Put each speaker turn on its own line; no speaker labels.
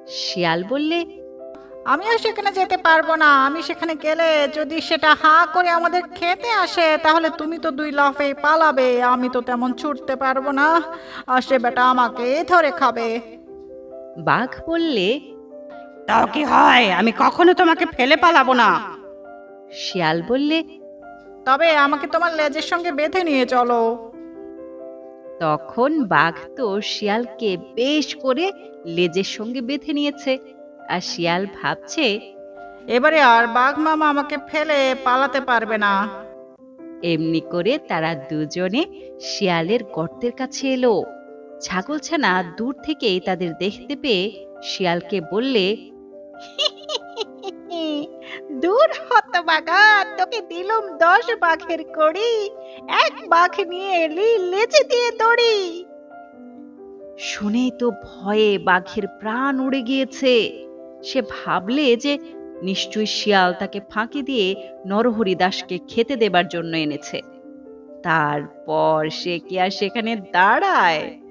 শিয়াল বললে,
আমিও সেখানে যেতে পারবো না। আমি সেখানে গেলে যদি সেটা হাঁ করে আমাদের খেতে আসে, তাহলে তুমি তো দুই লাফে পালাবে, আমি তো তেমন ছুটতে পারবো না, আর সে বেটা আমাকে ধরে খাবে।
বাঘ বললে,
তাও কি হয়, আমি কখনো তোমাকে ফেলে পালাবো না।
শিয়াল বললে,
তবে আমাকে তোমার লেজের সঙ্গে বেঁধে নিয়ে চলো।
তখন বাঘ তো শিয়ালকে বেশ করে লেজের সঙ্গে বেঁধে নিয়েছে। আর শিয়াল ভাবছে,
এবারে আর বাঘ মামা আমাকে ফেলে পালাতে পারবে না।
এমনি করে তারা দুজনে শিয়ালের গর্তের কাছে এলো। ছাগলছানা দূর থেকেই তাদের দেখতে পেয়ে শিয়ালকে বললে,
দূর হতভাগা, তোকে দিলুম 10 বাঘের কড়ি, এক বাঘ নিয়ে এলি লেজে দিয়ে দড়ি।
শুনেই তো ভয়ে বাঘের প্রাণ উড়ে গিয়েছে। সে ভাবলে যে নিশ্চয়ই শিয়াল তাকে ফাঁকি দিয়ে নরহরি দাসকে খেতে দেবার জন্য এনেছে। তারপর সে কি আর সেখানে দাঁড়ায়?